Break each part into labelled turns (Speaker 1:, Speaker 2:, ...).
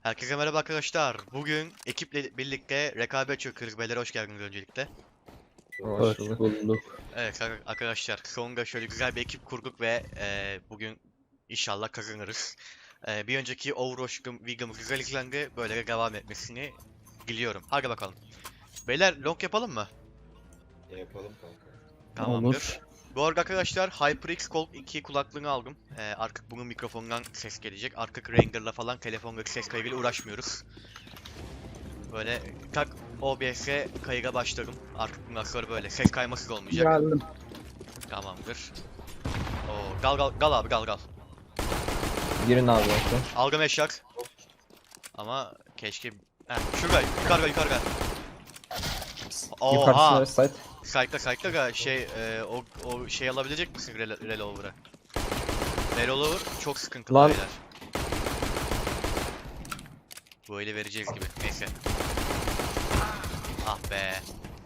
Speaker 1: Herkese merhaba arkadaşlar. Bugün ekiple birlikte rekabet çöküyoruz. Beyler hoş geldiniz öncelikle.
Speaker 2: Hoş bulduk.
Speaker 1: Evet arkadaşlar sonunda şöyle güzel bir ekip kurduk ve bugün inşallah kazanırız. Bir önceki Overwatch videomuz güzel izlendi. Böyle devam etmesini diliyorum. Hadi bakalım. Beyler long yapalım mı?
Speaker 3: Yapalım kanka.
Speaker 1: Tamamdır.
Speaker 2: Olur.
Speaker 1: Bu arada arkadaşlar HyperX Gold 2 kulaklığını aldım. Artık bunun mikrofonundan ses gelecek. Artık Ranger'la falan telefondaki ses kaydıyla uğraşmıyoruz. Böyle tak OBS'e kayıga başladım. Artık bundan sonra böyle ses kaymasız olmayacak.
Speaker 4: Geldim.
Speaker 1: Tamamdır. Oo, gal abi gal.
Speaker 2: Girin abi yoksa.
Speaker 1: Algım eşyak. Ama keşke... Heh, şurada yukarıda. Oha!
Speaker 2: Yukarısı site.
Speaker 1: Sayıkla da o şey alabilecek misin Relover'ı? Relover çok sıkıntılı
Speaker 2: Lan.
Speaker 1: beyler. Böyle vereceğiz gibi. Neyse. Ah be.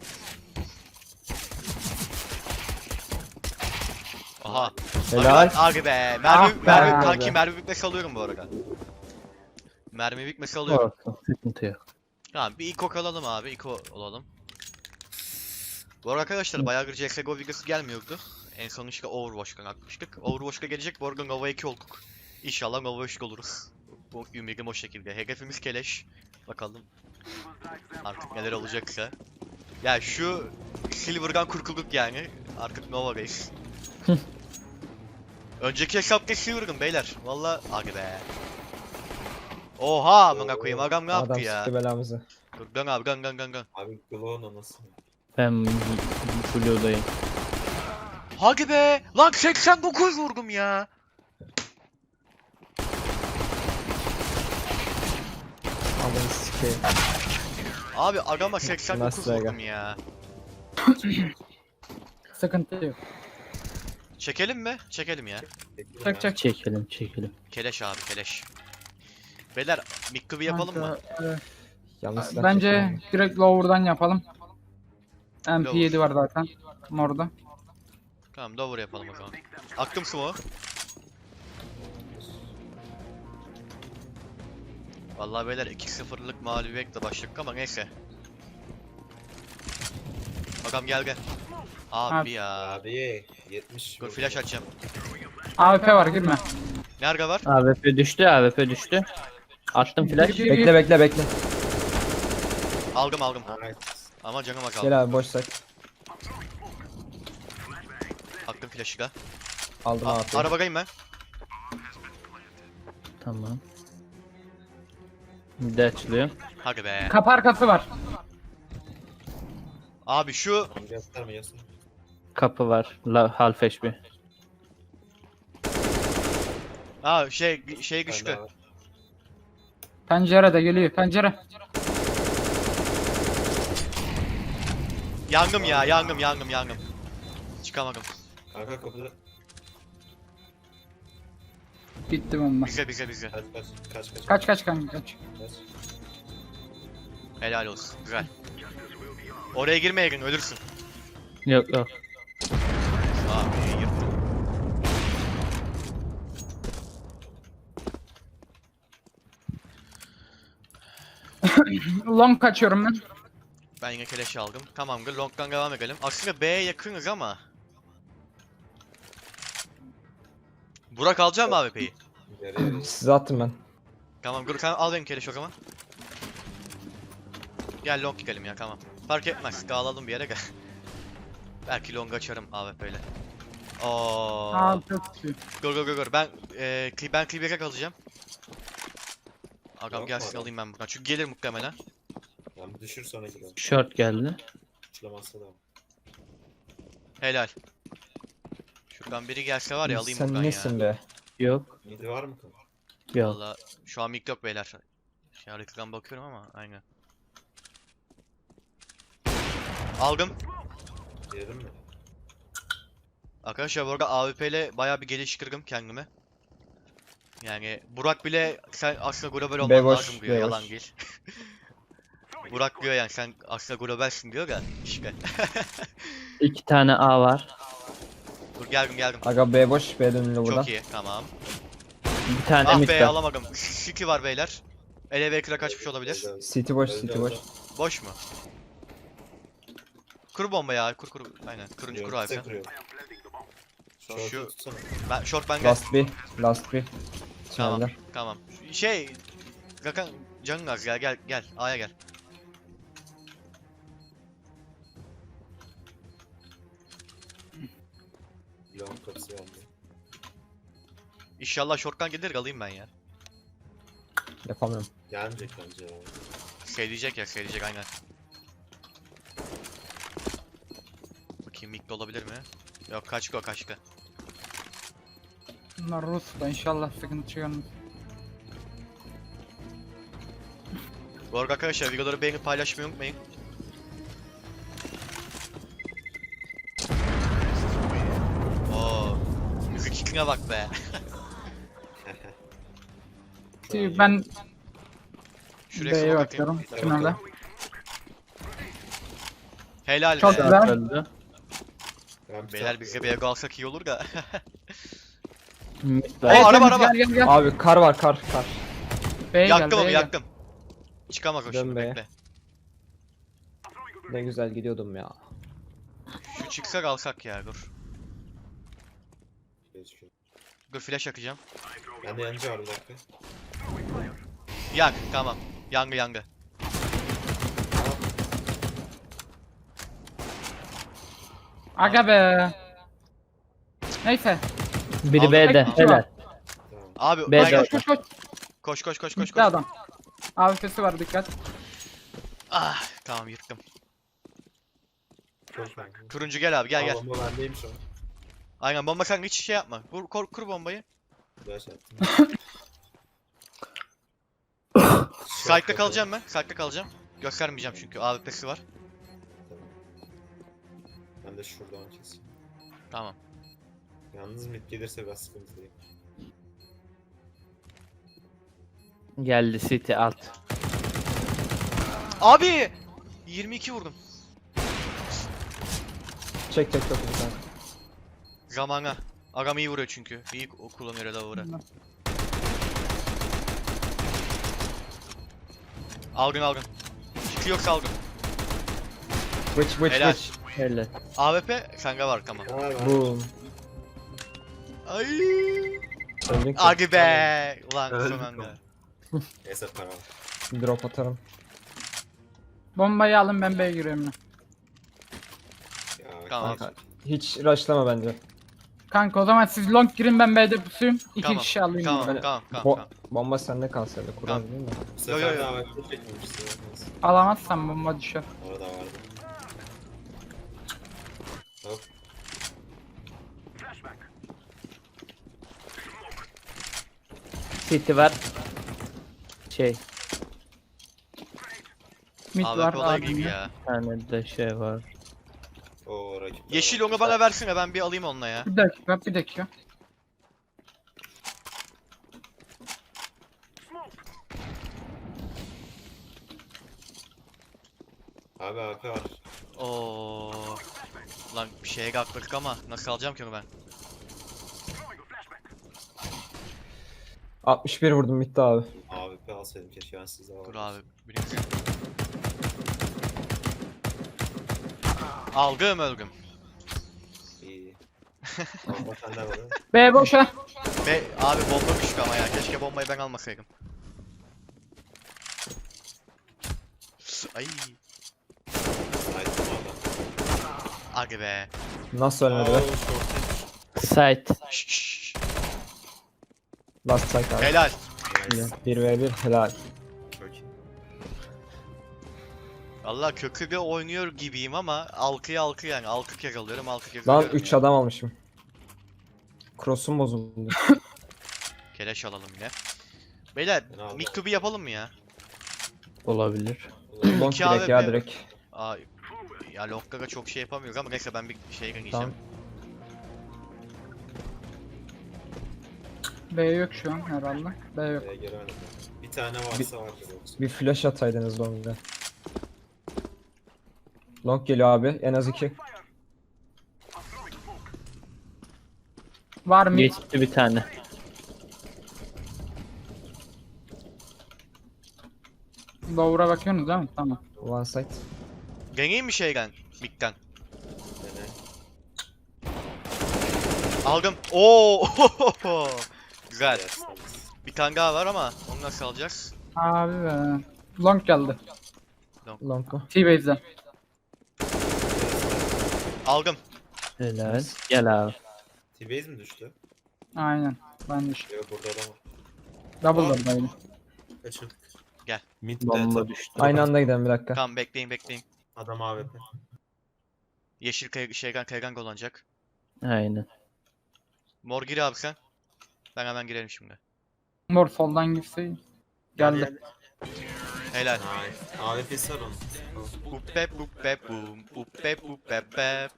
Speaker 1: Aha.
Speaker 2: Helal.
Speaker 1: Abi be.
Speaker 4: Ah be.
Speaker 1: Kanki mermi bitmesi alıyorum bu arada. Mermi bitmesi alıyorum.
Speaker 2: Olsun, sıkıntı yok.
Speaker 1: Tamam bir Iko alalım abi. Iko olalım. Bu arada arkadaşlar bayağıdır CSGO videosu gelmiyordu. En son işte Overwatch'tan atmıştık. Overwatch'ta gelecek. Bu arada Nova 2 olduk. İnşallah Nova 3 oluruz. Bu ümidim o şekilde. Hedefimiz keleş. Bakalım. Artık neler olacaksa. Ya şu Silver'dan kurtulduk yani. Artık Nova'dayız. Önceki hesapta Silver'dım beyler. Valla hadi be. Oha amına koyayım adam ne yaptı
Speaker 2: Adam
Speaker 1: ya?
Speaker 2: sıktı belamızı.
Speaker 1: Dur dön abi dön.
Speaker 3: Abi Glow'un anası mı?
Speaker 5: Ben Blue'dayım.
Speaker 1: Hadi be! Lan 89 vurdum ya.
Speaker 2: Adamı sikeyim.
Speaker 1: Abi adama 89
Speaker 2: Nasıl aga?
Speaker 1: vurdum ya.
Speaker 4: Sıkıntı yok.
Speaker 1: Çekelim mi? Çekelim ya.
Speaker 4: Çek.
Speaker 5: Çekelim.
Speaker 1: Keleş abi keleş. Beyler mikrobi yapalım mı?
Speaker 2: Yanlış silah
Speaker 4: Bence
Speaker 2: çektim.
Speaker 4: direkt lower'dan yapalım. MP7 var zaten. Orada.
Speaker 1: Tamam Dover yapalım o zaman. Aktım smoke. Vallahi beyler 2-0'lık mağlubiyetle başladık ama neyse. Bakalım gel. Abi ya.
Speaker 3: Abi 70.
Speaker 1: Dur flash açacağım.
Speaker 4: AWP var girme.
Speaker 1: Nerede var?
Speaker 5: AWP düştü. Attım flash.
Speaker 2: Bekle.
Speaker 1: Aldım.
Speaker 3: Nice.
Speaker 1: Ama canıma kaldı.
Speaker 2: Gel abi boş site.
Speaker 1: Aktım flash'ı da.
Speaker 2: Aldım abi.
Speaker 1: Arabadayım ben.
Speaker 5: Tamam. Bir de açılıyor.
Speaker 1: Hadi be.
Speaker 4: Kapı arkası var.
Speaker 1: Abi şu
Speaker 3: Tamam gösterme yasın.
Speaker 5: Kapı var. Half HP.
Speaker 1: şey güçlü.
Speaker 4: Pencere de geliyor. Pencere.
Speaker 1: Yangım. Çıkamadım.
Speaker 3: Kanka kapıda.
Speaker 4: Bitti bomba.
Speaker 1: Bize.
Speaker 4: Kaç kanka kaç.
Speaker 1: Helal olsun. Güzel. Oraya girmeyin ölürsün.
Speaker 5: Yok.
Speaker 1: Abi yırttım.
Speaker 4: Long kaçıyorum ben.
Speaker 1: Ben yine keleş aldım. Tamamdır. Long'dan devam edelim. Aslında B'ye yakınız ama. Burak alacağım mı AWP'yi?
Speaker 3: Yarı.
Speaker 2: Size attım ben.
Speaker 1: Tamam dur sen al benim keleş o zaman. Gel long gidelim ya tamam. Fark etmez. Dağılalım bir yere gel. Belki long açarım AWP ile. Oo.
Speaker 4: Aa çok iyi.
Speaker 1: Dur. Ben Cleaver'e kalacağım. Agam
Speaker 3: Yok
Speaker 1: gelsin
Speaker 3: mu?
Speaker 1: alayım ben buradan. Çünkü gelir muhtemelen.
Speaker 3: Lan bir düşür sonra gidelim.
Speaker 5: Short geldi.
Speaker 3: Uçlamazsa da.
Speaker 1: Helal. Şuradan biri gelse var ya alayım buradan
Speaker 2: Sen
Speaker 1: ya.
Speaker 2: nesin be?
Speaker 5: Yok.
Speaker 3: Midi var mı kanka?
Speaker 5: Yok.
Speaker 1: Valla şu an mik yok beyler. Şey haritadan bakıyorum ama aynen. Aldım.
Speaker 3: Girelim mi?
Speaker 1: Arkadaşlar bu arada AWP ile bayağı bir geliştirdim kendimi. Yani Burak bile sen aslında global olman
Speaker 2: Beboş,
Speaker 1: lazım diyor
Speaker 2: beboş.
Speaker 1: yalan değil. Burak diyor yani sen aslında globalsin diyor da işte.
Speaker 5: 2 tane A var.
Speaker 1: Dur geldim.
Speaker 2: Aga B boş. B dönülü buradan.
Speaker 1: Çok iyi tamam.
Speaker 5: Bir tane
Speaker 1: Ah
Speaker 5: mid
Speaker 1: be
Speaker 5: var.
Speaker 1: alamadım. City var beyler. Elevator'a kaçmış olabilir.
Speaker 3: Öldü, öldü.
Speaker 2: City boş,
Speaker 3: Öldü,
Speaker 2: city boş.
Speaker 3: öldü.
Speaker 1: Boş mu? Kur bomba ya. Kur. Aynen. Kuruncu kur
Speaker 3: Kuruyorum,
Speaker 1: abi sen.
Speaker 3: size kuruyorum.
Speaker 1: Şu-
Speaker 3: Short'u tutsana.
Speaker 1: Ben short ben gel.
Speaker 2: Last bir.
Speaker 1: Tamam.
Speaker 2: Tünelde.
Speaker 1: Tamam. Rakan canın az ya. Gel. A'ya gel.
Speaker 3: Long kapısı geldi.
Speaker 1: İnşallah short'tan gelir alayım ben ya.
Speaker 2: Yapamıyorum.
Speaker 3: Gelmeyecek bence ya.
Speaker 1: Seyleyecek aynen. Bakayım mid olabilir mi? Yok kaçko.
Speaker 4: Bunlar Rus da inşallah sıkıntı çıkarmaz.
Speaker 1: Bu arada arkadaşlar videoları beğenip paylaşmayı unutmayın. Oo. Müzik kickine bak be.
Speaker 4: Ben
Speaker 1: Şuraya
Speaker 4: B'ye
Speaker 1: smoke
Speaker 4: bakıyorum.
Speaker 1: atayım.
Speaker 4: Tünelde.
Speaker 1: Helal
Speaker 4: Çok
Speaker 1: be.
Speaker 4: güzel.
Speaker 5: Öldü.
Speaker 3: Ben bir
Speaker 1: Beyler
Speaker 3: tane-
Speaker 1: bize B'ye alsak iyi olur da.
Speaker 5: Mid
Speaker 1: Aa,
Speaker 5: var.
Speaker 1: araba.
Speaker 4: Gel.
Speaker 2: Abi kar var kar.
Speaker 4: B'ye gel.
Speaker 1: Yaktım onu
Speaker 4: B'ye gel.
Speaker 1: yaktım. Çıkamaz o
Speaker 2: Dön
Speaker 1: şimdi
Speaker 2: B'ye.
Speaker 1: bekle.
Speaker 2: Ne güzel gidiyordum ya.
Speaker 1: Şu çıksak alsak ya dur.
Speaker 3: Gözüküyor.
Speaker 1: Dur flash yakacağım.
Speaker 3: Ben de yancı var bir dakika.
Speaker 1: Yak tamam. Yangı.
Speaker 4: Aga be. Neyse.
Speaker 5: Biri
Speaker 1: Aldım.
Speaker 5: B'de.
Speaker 1: Aldım.
Speaker 5: Helal.
Speaker 3: Tamam.
Speaker 1: Abi
Speaker 5: B'de.
Speaker 1: aynen.
Speaker 4: Koş.
Speaker 1: Koş.
Speaker 4: Gitti adam. AWP'si var dikkat.
Speaker 1: Ah tamam yıktım.
Speaker 3: Çok ben.
Speaker 1: Turuncu gel abi gel.
Speaker 3: Bomba bendeyim şu an.
Speaker 1: Aynen bomba kanka hiç şey yapma. Kur bombayı.
Speaker 3: Güzel şey yaptım.
Speaker 1: Site'da kalacağım ben. Site'da kalacağım. Göstermeyeceğim çünkü AWP'si var.
Speaker 3: Tamam. Ben de şuradan keseyim.
Speaker 1: Tamam.
Speaker 3: Yalnız mid gelirse biraz sıkıntı değil.
Speaker 5: Geldi City alt.
Speaker 1: Abi 22 vurdum.
Speaker 2: Çek çok güzel.
Speaker 1: Zamana. Agam iyi vuruyor çünkü. İyi kullanıyor Redavor'ı. Algın. Fikri yoksa algın.
Speaker 2: Bıç.
Speaker 1: Helal.
Speaker 5: Helal.
Speaker 1: AWP sende var tamam.
Speaker 3: Aa ben.
Speaker 2: Boom.
Speaker 1: Ay.
Speaker 2: Öldün ki.
Speaker 1: Hadi be. Ulan
Speaker 3: Öldük
Speaker 1: son anda.
Speaker 3: Neyse para var.
Speaker 2: Drop atarım.
Speaker 4: Bombayı alın ben B'ye giriyorum. ya.
Speaker 3: Ya
Speaker 1: Tamam.
Speaker 3: kanka.
Speaker 2: Hiç rushlama bence.
Speaker 4: Kanka o zaman siz long girin ben B'de pusuyum. İki
Speaker 1: Tamam,
Speaker 4: kişi alayım.
Speaker 1: Tamam
Speaker 4: Böyle.
Speaker 1: tamam.
Speaker 2: Bomba sende kalsaydı. Kurar
Speaker 1: Tamam.
Speaker 2: değil mi?
Speaker 3: Bu sefer
Speaker 1: Yo.
Speaker 3: daha vakti çekmemişsin. Neyse.
Speaker 4: Alamazsam bomba düşer.
Speaker 3: Orada vardı. Hop.
Speaker 5: City var.
Speaker 4: Mid var.
Speaker 1: AWP olayı
Speaker 4: abim
Speaker 1: gibi
Speaker 4: ya.
Speaker 1: ya.
Speaker 5: Bir tane de şey var.
Speaker 3: Oo rakip.
Speaker 1: Yeşil onu bana versene ben bir alayım onunla ya.
Speaker 4: Bir dakika.
Speaker 3: Abi AP var.
Speaker 1: Oo. Lan bir şeye kalktık ama nasıl alacağım ki onu ben?
Speaker 2: 61 vurdum bitti abi.
Speaker 3: AWP alsaydım keşke ben sizde var.
Speaker 1: Dur abi. Birisi. Algım ölgüm.
Speaker 3: İyi. Bomba sende var.
Speaker 4: B boşa.
Speaker 1: Be abi bomba düştü ama ya. Keşke bombayı ben almasaydım. Ay.
Speaker 3: Haydi adam.
Speaker 1: Hadi be.
Speaker 2: Nasıl ölmedi be?
Speaker 3: Oo, short.
Speaker 5: Site.
Speaker 1: Şşş.
Speaker 2: Last strike abi.
Speaker 1: Helal.
Speaker 3: Nice.
Speaker 2: 1v1 helal.
Speaker 3: Çok iyi.
Speaker 1: Valla kökü bir oynuyor gibiyim ama alkı yani. Alkı kez alıyorum, alkı kez
Speaker 2: Lan
Speaker 1: alıyorum
Speaker 2: 3
Speaker 1: ya.
Speaker 2: adam almışım. Cross'um bozuldu.
Speaker 1: Keleş alalım yine. Beyler
Speaker 3: Ben aldım.
Speaker 1: mid to be yapalım mı ya?
Speaker 5: Olabilir.
Speaker 2: Long
Speaker 1: İki
Speaker 2: direkt ya
Speaker 1: AWP.
Speaker 2: direkt.
Speaker 1: Aa, ya Long'da çok şey yapamıyoruz ama neyse ben bir şey
Speaker 2: Tamam.
Speaker 1: giyeceğim.
Speaker 4: B yok şu an herhalde. B yok.
Speaker 3: Giremedim. Bir tane varsa vardır yoksa.
Speaker 2: Bir flash ataydınız long'da. Long geliyor abi. En az 2.
Speaker 4: Var mı?
Speaker 5: Geçti bir tane.
Speaker 4: Lower'a bakıyorsunuz değil mi? Tamam.
Speaker 2: One side.
Speaker 1: Deneyeyim mi şeyden? Mid'den.
Speaker 3: Dene.
Speaker 1: Aldım. Oo! Güzel.
Speaker 3: Yerseniz.
Speaker 1: Bir tane daha var ama onu nasıl alacağız?
Speaker 4: Abi be. Long geldi.
Speaker 2: Long go.
Speaker 4: T-Base'den.
Speaker 1: Aldım.
Speaker 5: Helal. Gel abi.
Speaker 3: T-Base mi düştü?
Speaker 4: Aynen. Ben de işte.
Speaker 3: Yok burada adam var.
Speaker 4: Double door'daydı.
Speaker 3: Kaçırdık.
Speaker 1: Gel.
Speaker 3: Mid
Speaker 5: Bomba
Speaker 3: de
Speaker 5: düştü.
Speaker 2: Aynı anda gidelim bir dakika.
Speaker 1: Tamam bekleyin.
Speaker 3: adam AWP.
Speaker 1: Yeşil kaygan kullanacak.
Speaker 5: Aynen.
Speaker 1: Mor gir abi sen. Ben hemen girelim şimdi.
Speaker 4: Mor soldan girse geldi.
Speaker 1: Helal.
Speaker 3: Nice. AWP'si var onun.
Speaker 1: Uppep uppep bum. Uppep uppep bep.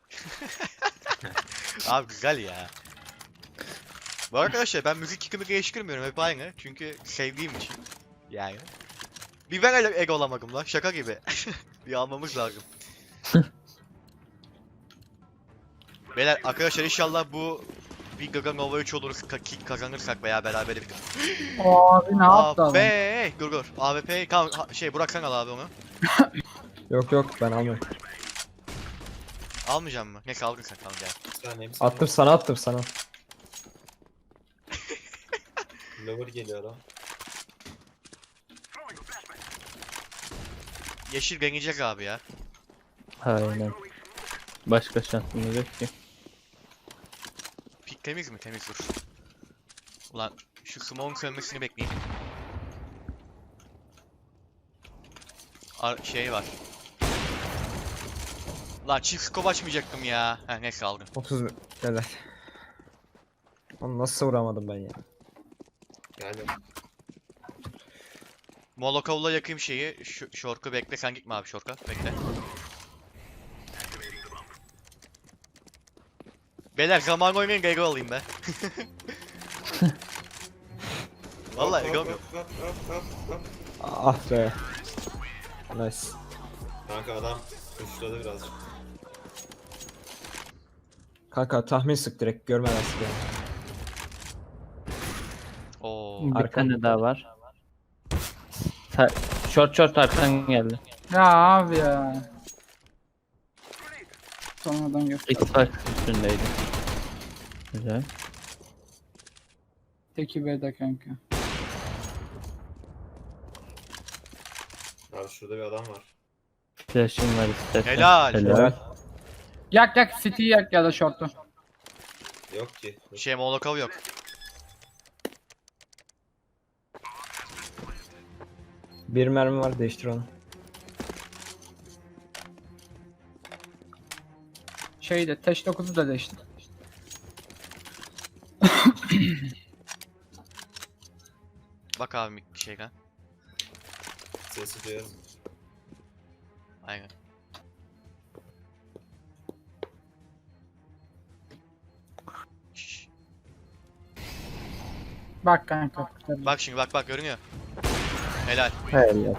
Speaker 1: Abi güzel ya. Bu arkadaşlar ben müzik yıkımı geliştirmiyorum hep aynı. Çünkü sevdiğim için. Yani. Bir ben ego olamadım lan şaka gibi. Bir almamız lazım. Beyler arkadaşlar inşallah bu bir Gaga Nova 3 olur kazanırsak veya beraber bir.
Speaker 4: Abi ne yaptı adam?
Speaker 1: AWP dur. AWP tamam Burak sen al abi onu.
Speaker 2: Yok yok ben almıyorum.
Speaker 1: Almayacağım mı? Neyse aldın sen tamam gel.
Speaker 3: Bir tane hepsi
Speaker 2: Attım sana attım sana.
Speaker 3: Lower geliyor adam.
Speaker 1: Yeşil deneyecek abi ya.
Speaker 5: Aynen. Başka şansımız yok ki.
Speaker 1: Pik temiz mi? Temiz dur. Ulan şu smoke'un sönmesini bekleyeyim. Şey var. Lan çift scope açmayacaktım ya. Heh neyse aldım.
Speaker 2: 30 helal. Onu nasıl vuramadım ben ya?
Speaker 3: Yani
Speaker 1: Molokov'la yakayım şeyi. Short'u bekle sen gitme abi short'a. Bekle. Beyler zaman oynayın ego alayım be. Vallahi ego yok.
Speaker 3: hop.
Speaker 2: Ah be. Nice.
Speaker 3: Kanka adam kuşladı birazcık.
Speaker 2: Kanka tahmin sık direkt görmeden sık yani.
Speaker 1: Oo.
Speaker 5: Bir
Speaker 2: Arkan.
Speaker 5: tane daha var. Short arkan geldi.
Speaker 4: Ya abi ya. Sonradan gör.
Speaker 5: X-Fight üstündeydi. Güzel.
Speaker 4: Teki B'de kanka.
Speaker 3: Abi şurada bir adam var.
Speaker 5: Flash'im var istersen.
Speaker 1: Helal.
Speaker 2: Helal.
Speaker 4: Yak City'yi yak ya da short'u.
Speaker 3: Yok ki.
Speaker 1: Molokov yok.
Speaker 2: Bir mermi var değiştir onu.
Speaker 4: Şeyde Teş 9'u da değişti.
Speaker 1: Bak abi şeyden.
Speaker 3: Sesi duyarım.
Speaker 1: Aynen. Şşş.
Speaker 4: Bak kanka.
Speaker 1: Bak şimdi bak görünüyor. Helal.
Speaker 5: Helal.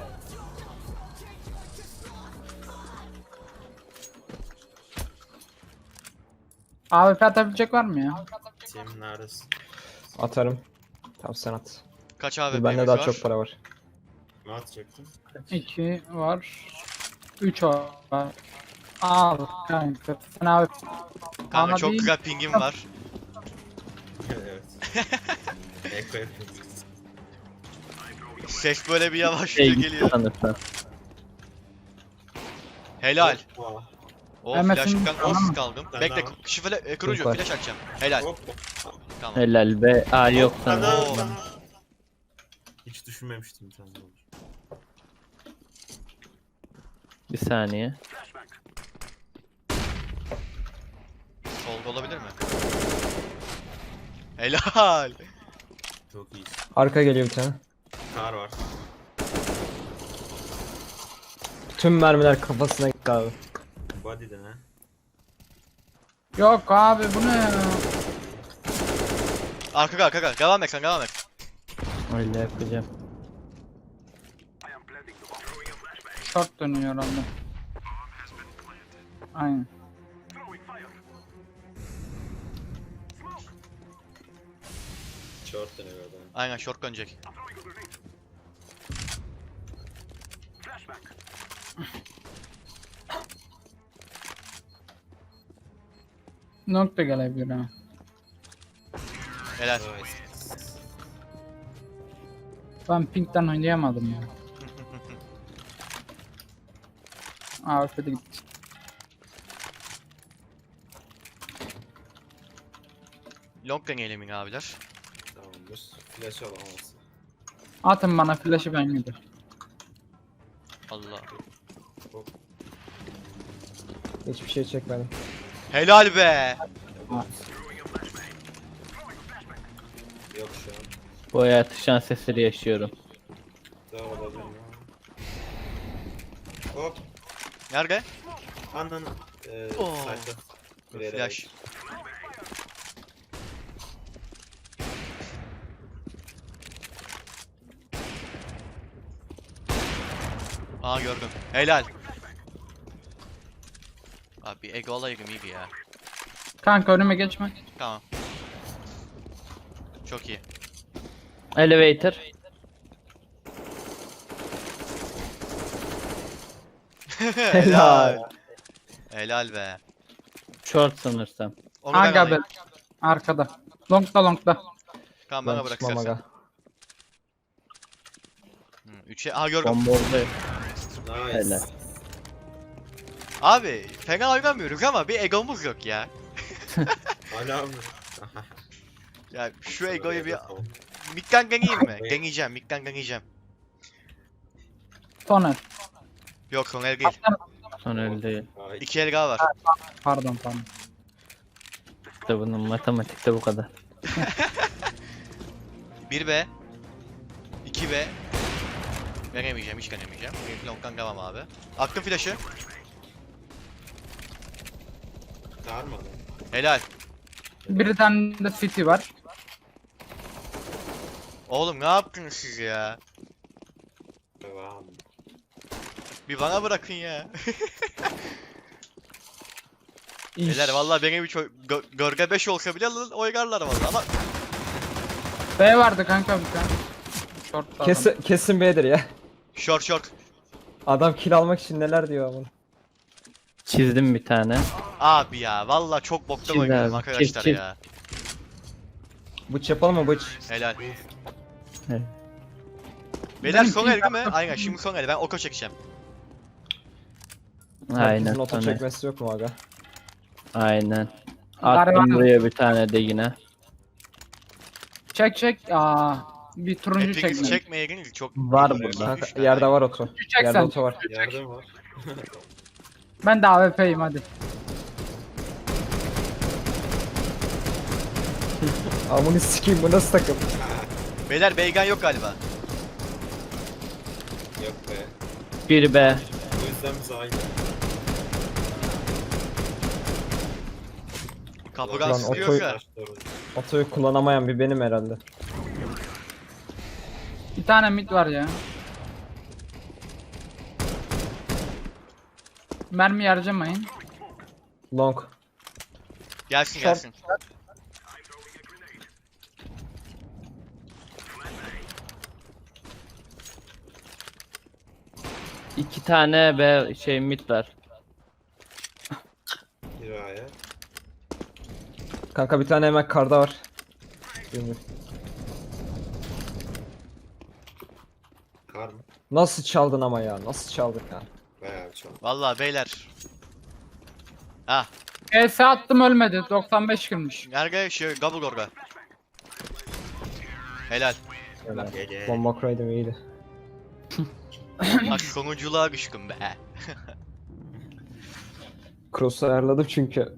Speaker 4: AWP atabilecek var mı ya?
Speaker 3: Tim neredesin?
Speaker 2: Atarım. Tamam sen at.
Speaker 1: Kaç abi
Speaker 2: Dur, bende
Speaker 1: var?
Speaker 2: daha çok para var.
Speaker 3: Ne atacaktın?
Speaker 4: 2 var. 3 var. Al kanka. Sen AWP.
Speaker 1: Kanka
Speaker 4: Ama
Speaker 1: çok
Speaker 4: değil.
Speaker 1: güzel pingim var.
Speaker 3: Evet. Eko yapıyoruz.
Speaker 1: Ses böyle bir yavaşça geliyor.
Speaker 5: Sanırsan.
Speaker 1: Helal.
Speaker 3: Hoppa.
Speaker 1: O
Speaker 4: Hemesin
Speaker 1: flash'tan
Speaker 4: tamam
Speaker 1: off
Speaker 4: mı?
Speaker 1: kaldım.
Speaker 3: Ben
Speaker 1: Bekle
Speaker 3: de var.
Speaker 1: şu kurucu
Speaker 2: Var.
Speaker 1: flash atacağım. Helal.
Speaker 3: Hoppa.
Speaker 1: Tamam.
Speaker 5: Helal be. Aa yok
Speaker 3: Ana,
Speaker 5: sana.
Speaker 1: Oo.
Speaker 3: ana. Hiç düşünmemiştim bir tane olur.
Speaker 5: Bir saniye.
Speaker 1: Solda olabilir mi? Helal.
Speaker 3: Çok iyi.
Speaker 2: Arka geliyor bir tane.
Speaker 3: Kar var.
Speaker 2: Tüm mermiler kafasına gitti abi.
Speaker 3: Body'den ha.
Speaker 4: Yok abi bu ne ya?
Speaker 1: Arka. Devam et sen devam et.
Speaker 5: Öyle yapacağım.
Speaker 4: Short dönüyor herhalde. Aynen.
Speaker 3: Short dönüyor adam.
Speaker 1: Aynen short dönecek.
Speaker 4: Nokta gelebilir ha.
Speaker 1: Helal.
Speaker 3: Nice.
Speaker 4: Ben Pink'ten oynayamadım ya. AWP'de gitti.
Speaker 1: Long deneyelim abiler.
Speaker 3: Tamamdır. Flash alamaz.
Speaker 4: Atın bana flash'ı ben giderim.
Speaker 1: Allah.
Speaker 2: Hiçbir şey çekmedim.
Speaker 1: Helal be.
Speaker 3: Yok şu an.
Speaker 5: Bu hayatı şans eseri yaşıyorum.
Speaker 3: Daha olabilir mi? Hop.
Speaker 1: Nerede?
Speaker 3: Ananı.
Speaker 1: Oo.
Speaker 3: Sayfa. Buraya da
Speaker 1: Flash. Aa gördüm. Helal. Abi ego alayım iyiydi ya.
Speaker 4: Kanka önüme geçme.
Speaker 1: Tamam. Çok iyi.
Speaker 5: Elevator.
Speaker 1: Helal. Helal be.
Speaker 5: Short sanırsam.
Speaker 1: Onu ben
Speaker 4: Aga be.
Speaker 1: alayım.
Speaker 4: Arkada. Longda.
Speaker 1: Tamam bana
Speaker 2: Ben
Speaker 1: bırak
Speaker 2: çıkmam
Speaker 1: istersen.
Speaker 2: aga.
Speaker 1: 3'e aha gördüm.
Speaker 5: Bomba orada.
Speaker 3: Nice.
Speaker 5: Helal.
Speaker 1: Abi fena oynamıyoruz ama bir egomuz yok ya.
Speaker 3: Hala mı?
Speaker 1: Ya şu egoyu bir midden deneyeyim mi? Deneyeceğim, midden deneyeceğim.
Speaker 4: Tonel.
Speaker 1: Yok son el değil.
Speaker 5: Son öyle.
Speaker 3: Ay,
Speaker 1: 2 el daha var.
Speaker 4: Pardon.
Speaker 5: İşte bunun matematikte bu kadar.
Speaker 1: 1B. 2B. Veremeyeceğim, hiç denemeyeceğim. Benim long'dan devam abi. Attım flash'ı.
Speaker 3: Çağırmadı.
Speaker 1: Helal.
Speaker 4: Bir tane de city var.
Speaker 1: Oğlum ne yaptınız siz ya?
Speaker 3: Devam.
Speaker 1: Bir bana bırakın ya.
Speaker 2: İş.
Speaker 1: Beyler vallahi benim hiç gölge 5 olsa bile oynarlar vallahi ama
Speaker 4: B vardı kanka bir tane. Short
Speaker 2: Kesin B'dir ya.
Speaker 1: short.
Speaker 2: Adam kill almak için neler diyor ama.
Speaker 5: Çizdim bir tane.
Speaker 1: Abi ya vallahi çok boktan
Speaker 5: Çiz
Speaker 1: oynuyorum
Speaker 5: abi,
Speaker 1: arkadaşlar
Speaker 5: çiz.
Speaker 1: ya.
Speaker 2: Bıç yapalım mı bıç?
Speaker 1: Helal.
Speaker 5: Evet.
Speaker 1: Beyler
Speaker 4: Ben
Speaker 1: son
Speaker 4: ping
Speaker 1: el değil mi?
Speaker 4: yaptım.
Speaker 1: Aynen şimdi son el ben oko çekeceğim.
Speaker 5: Aynen.
Speaker 2: Herkesin oto
Speaker 5: Sonra.
Speaker 2: çekmesi yok mu aga?
Speaker 5: Aynen.
Speaker 4: Gariban.
Speaker 5: Attım buraya bir tane de yine.
Speaker 4: Çek. Bir turuncu
Speaker 1: Hepiniz
Speaker 4: çekme.
Speaker 1: çekmeyeydiniz çok
Speaker 5: Var
Speaker 1: iyi.
Speaker 5: burada.
Speaker 2: Kanka,
Speaker 1: Üç tane.
Speaker 2: yerde var oto.
Speaker 4: Çek
Speaker 2: Yerde
Speaker 4: sen.
Speaker 2: oto var.
Speaker 3: Yardım var.
Speaker 4: Ben de AWP'yim hadi.
Speaker 2: Amını sikeyim bu nasıl takım?
Speaker 1: Beyler beygan yok galiba.
Speaker 3: Yok be.
Speaker 5: 1B.
Speaker 3: O yüzden biz aynı.
Speaker 1: Kapıdan
Speaker 2: Lan
Speaker 1: sızlıyor
Speaker 2: otoyu-
Speaker 1: ya.
Speaker 2: Otoyu kullanamayan bir benim herhalde.
Speaker 4: Bir tane mid var ya. Mermi harcamayın.
Speaker 2: Long.
Speaker 1: Gelsin
Speaker 2: Short.
Speaker 1: gelsin.
Speaker 5: İki tane B şey mid var.
Speaker 3: Hiraya.
Speaker 2: Kanka bir tane hemen karda var. Bilmiyorum.
Speaker 3: Kar mı?
Speaker 2: Nasıl çaldın ama ya? Nasıl çaldın ya?
Speaker 3: Bayağı çok.
Speaker 1: Vallahi beyler. Ah,
Speaker 4: ES attım ölmedi. 95 girmiş.
Speaker 1: nerede şey Gabul orada. Helal.
Speaker 2: Öyle.
Speaker 3: Gege.
Speaker 2: Bomba kuraydım iyiydi.
Speaker 1: Bak sonunculuğa düşkün be.
Speaker 2: Cross'u ayarladım çünkü.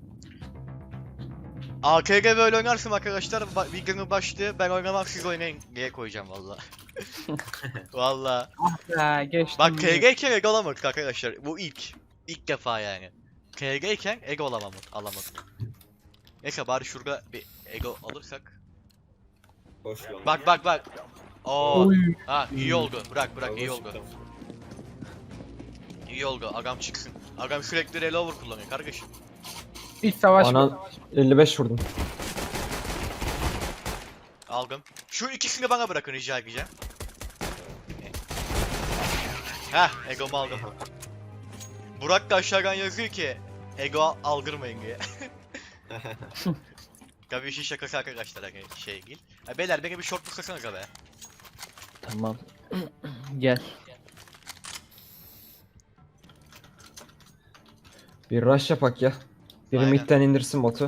Speaker 1: AKG böyle oynarsın arkadaşlar. Videonun başlığı ben oynamam siz oynayın diye koyacağım valla. Valla.
Speaker 4: Ya geçtim.
Speaker 1: Bak KG iken ego alamadık arkadaşlar. Bu ilk. İlk defa yani. KG iken ego alamadık. Neyse bari şurada bir ego alırsak.
Speaker 3: Boş lan.
Speaker 1: Bak. Oo.
Speaker 4: Oy.
Speaker 1: Ha iyi oldu. Bırak iyi
Speaker 3: Boş
Speaker 1: oldu.
Speaker 3: lan.
Speaker 1: İyi oldu. Agam çıksın. Agam sürekli relover kullanıyor kardeşim.
Speaker 4: İç savaş.
Speaker 2: Anan 55 vurdum.
Speaker 1: Aldım. Şu ikisini bana bırakın rica edeceğim. Heh, egomu aldım. Burak da aşağıdan yazıyor ki ego aldırmayın diye. Tabii işin şakası arkadaşlar hani şey değil. Ha, beyler beni bir short tutsanıza be.
Speaker 5: Tamam. Gel.
Speaker 2: Bir rush yapak ya. Biri
Speaker 1: Aynen.
Speaker 2: midden indirsin botu.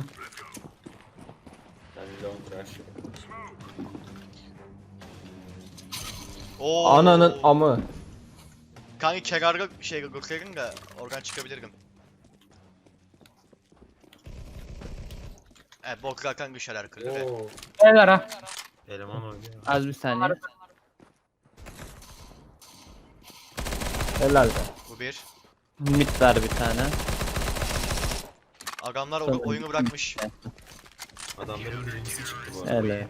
Speaker 3: Ben long rush.
Speaker 1: Oo.
Speaker 2: Ananın amı.
Speaker 1: Kanka kenarda şey gösterin de oradan çıkabilirim. Evet bok zaten düşerler kırdı ve
Speaker 3: Oo.
Speaker 4: Beyler ha.
Speaker 3: Eleman oynuyor.
Speaker 5: Az bir saniye.
Speaker 2: Helal be.
Speaker 1: bu bir.
Speaker 5: Mid var bir tane.
Speaker 1: Adamlar
Speaker 5: Sanırım.
Speaker 1: oyunu bırakmış.
Speaker 3: Adamların birincisi çıktı bu arada.
Speaker 5: Öyle.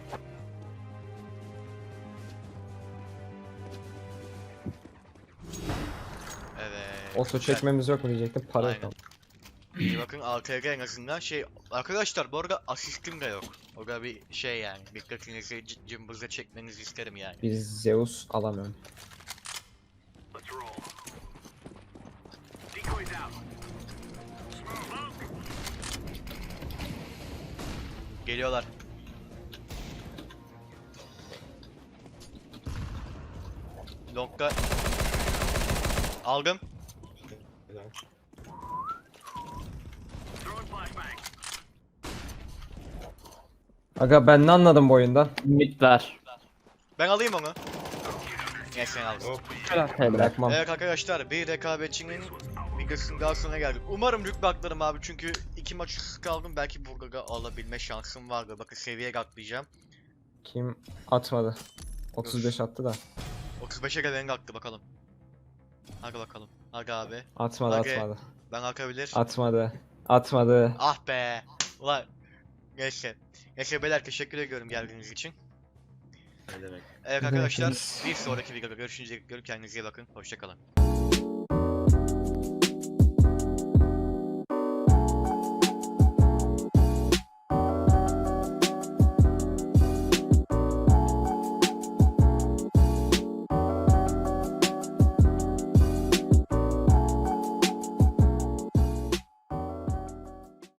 Speaker 1: Evet.
Speaker 2: Oto
Speaker 1: güzel.
Speaker 2: çekmemiz yok mu diyecektim. Para yok.
Speaker 1: Aynen. İyi bakın ATG en azından şey arkadaşlar bu arada asistim de yok. O da bir şey yani dikkatinizi cımbızla çekmenizi isterim yani.
Speaker 2: Bir Zeus alamıyorum.
Speaker 1: Geliyorlar. Long'da aldım.
Speaker 3: Helal.
Speaker 2: Aga ben ne anladım bu oyundan?
Speaker 5: Mid var.
Speaker 1: Ben alayım onu. Neyse sen al.
Speaker 3: Hop.
Speaker 5: Helal.
Speaker 2: Bırakmam.
Speaker 1: Evet arkadaşlar bir rekabetçinin videosunun daha sonuna geldik. Umarım rütbe atlarım abi çünkü 2 maç üst kaldım. Belki burada alabilme şansım vardı. Bakın seviye atlayacağım.
Speaker 2: Kim atmadı? 35 attı da.
Speaker 1: 35'e gelen attı bakalım. Hadi bakalım. Hadi abi.
Speaker 2: Atmadı
Speaker 1: Aga.
Speaker 2: atmadı.
Speaker 1: Ben akabilir.
Speaker 2: Atmadı. Atmadı.
Speaker 1: Ah be. Ulan. Neyse. Neyse beyler teşekkür ediyorum geldiğiniz için.
Speaker 3: Ne demek?
Speaker 1: Evet
Speaker 2: Ne
Speaker 1: arkadaşlar
Speaker 2: demek?
Speaker 1: bir sonraki videoda görüşünceye kadar kendinize iyi bakın. Hoşçakalın.